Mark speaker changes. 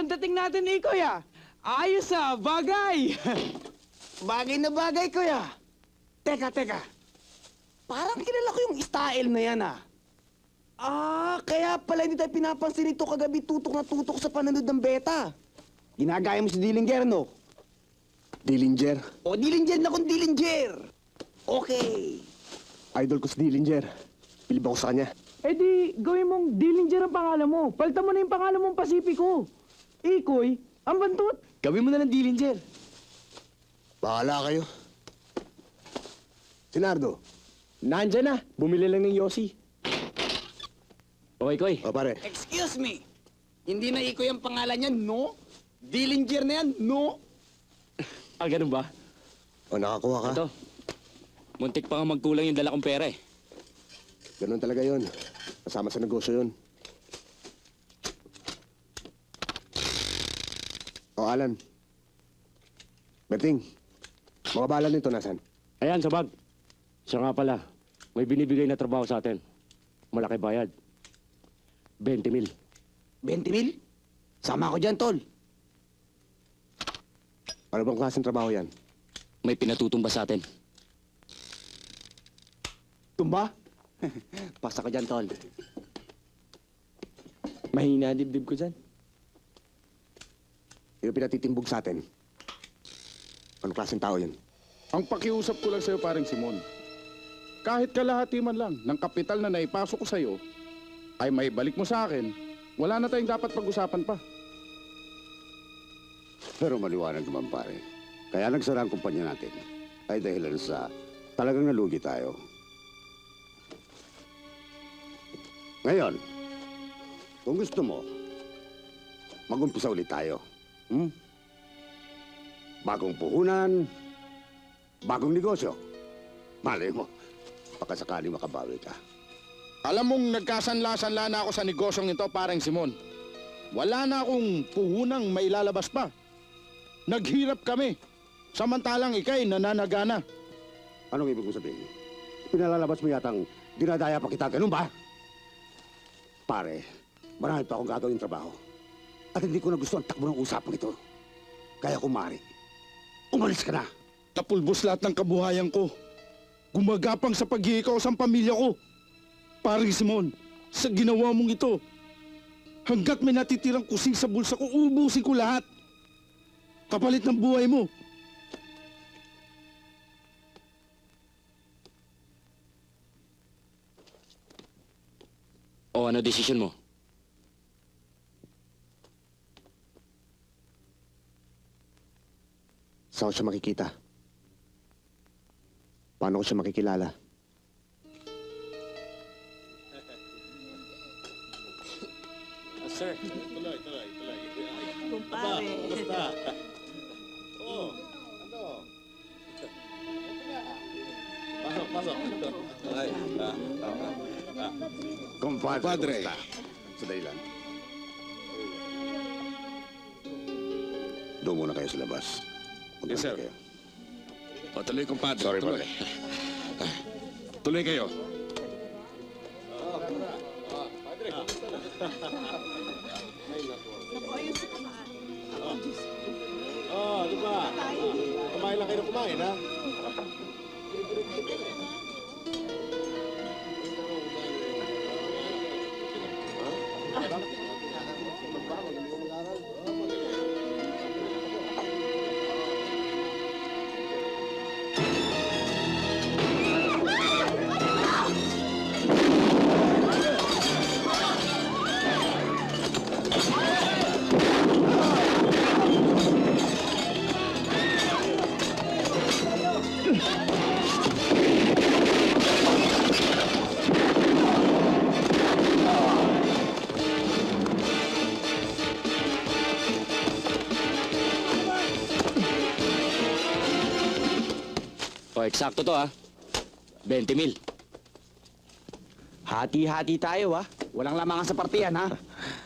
Speaker 1: ang dating natin ni Kuya. Ayos bagay.
Speaker 2: Bagay na bagay, kuya. Teka. Parang kilala ko yung style na yan, ah. Kaya pala hindi tayo pinapansin ito kagabi tutok na tutok sa pananood ng beta. Ginagaya mo si Dillinger, no?
Speaker 3: Dillinger.
Speaker 2: O, Dillinger na kung Dillinger. Okay.
Speaker 3: Idol ko si Dillinger. Bilib ako sa kanya.
Speaker 1: Eh di, gawin mong Dillinger ang pangalan mo. Palitan mo na yung pangalan mong Pacifico. Ikoy, ang bantot.
Speaker 2: Gawin mo na ng Dillinger.
Speaker 3: Bahala kayo. Sinardo, nandyan na. Bumili lang ng Yossi.
Speaker 4: Okay, Koy.
Speaker 3: O pare,
Speaker 2: Excuse me. Hindi na Ikoy ang pangalan niya, no? Dillinger na yan, no?
Speaker 4: Ah, ganun ba?
Speaker 3: o nakakuha ka.
Speaker 4: Ito. Muntik pa nga magkulang yung dala kong pera eh.
Speaker 3: Ganun talaga yon. Kasama sa negosyo yun. O Alan. Berting, mga bala nito nasan?
Speaker 4: Ayan, sa bag. Siya nga pala, may binibigay na trabaho sa atin. Malaki bayad. 20,000.
Speaker 2: 20,000? Sama ako dyan, tol.
Speaker 3: Ano bang klaseng trabaho yan?
Speaker 4: May pinatutumba sa atin.
Speaker 2: Tumba? Pasa ko dyan, tol.
Speaker 1: Mahina dibdib ko dyan.
Speaker 3: Yung pinatitimbog sa atin. Anong klaseng tao yun?
Speaker 5: Ang pakiusap ko lang sa'yo, paring Simon. Kahit kalahati man lang ng kapital na naipasok ko sa'yo, ay may balik mo sa akin, wala na tayong dapat pag-usapan pa.
Speaker 6: Pero maliwanag naman pare. Kaya nagsara ang kumpanya natin ay dahilan sa talagang nalugi tayo. Ngayon, kung gusto mo, mag-umpisa ulit tayo. Bagong puhunan, bagong negosyo. Malay mo, baka sakali makabawi ka.
Speaker 5: Alam mong nagkasanla-sanla na ako sa negosyong ito, paring Simon. Wala na akong puhunang mailalabas pa. Naghirap kami, samantalang ikay nananagana.
Speaker 6: Anong ibig mo sabihin? Pinalalabas mo yatang dinadaya pa kita, ganun ba? Pare, marami pa akong gagawin trabaho. At hindi ko na gusto ang takbo ng usapang ito. Kaya kumari, umalis ka na.
Speaker 5: Napulbos lahat ng kabuhayan ko. Gumagapang sa pag-iikaw sa pamilya ko. Paring Simon, sa ginawa mong ito, hanggat may natitirang kusing sa bulsa ko, ubusin ko lahat. Kapalit ng buhay mo.
Speaker 4: O ano desisyon mo?
Speaker 3: Saan ko siya makikita? Paano ko siya makikilala?
Speaker 4: Sir.
Speaker 7: Kumpare.
Speaker 6: Compadre. Sandali lang. Doon muna kayo sa labas. Punta
Speaker 5: Yes, sir.
Speaker 6: kayo.
Speaker 5: O, tuloy, compadre.
Speaker 6: Sorry,
Speaker 5: tuloy.
Speaker 6: pare.
Speaker 5: Tuloy kayo.
Speaker 3: Kumain lang kayo na kumain, ha?
Speaker 4: O, eksakto to ha. 20,000.
Speaker 2: Hati-hati tayo, ha? Walang lamangan sa partiyan, ha?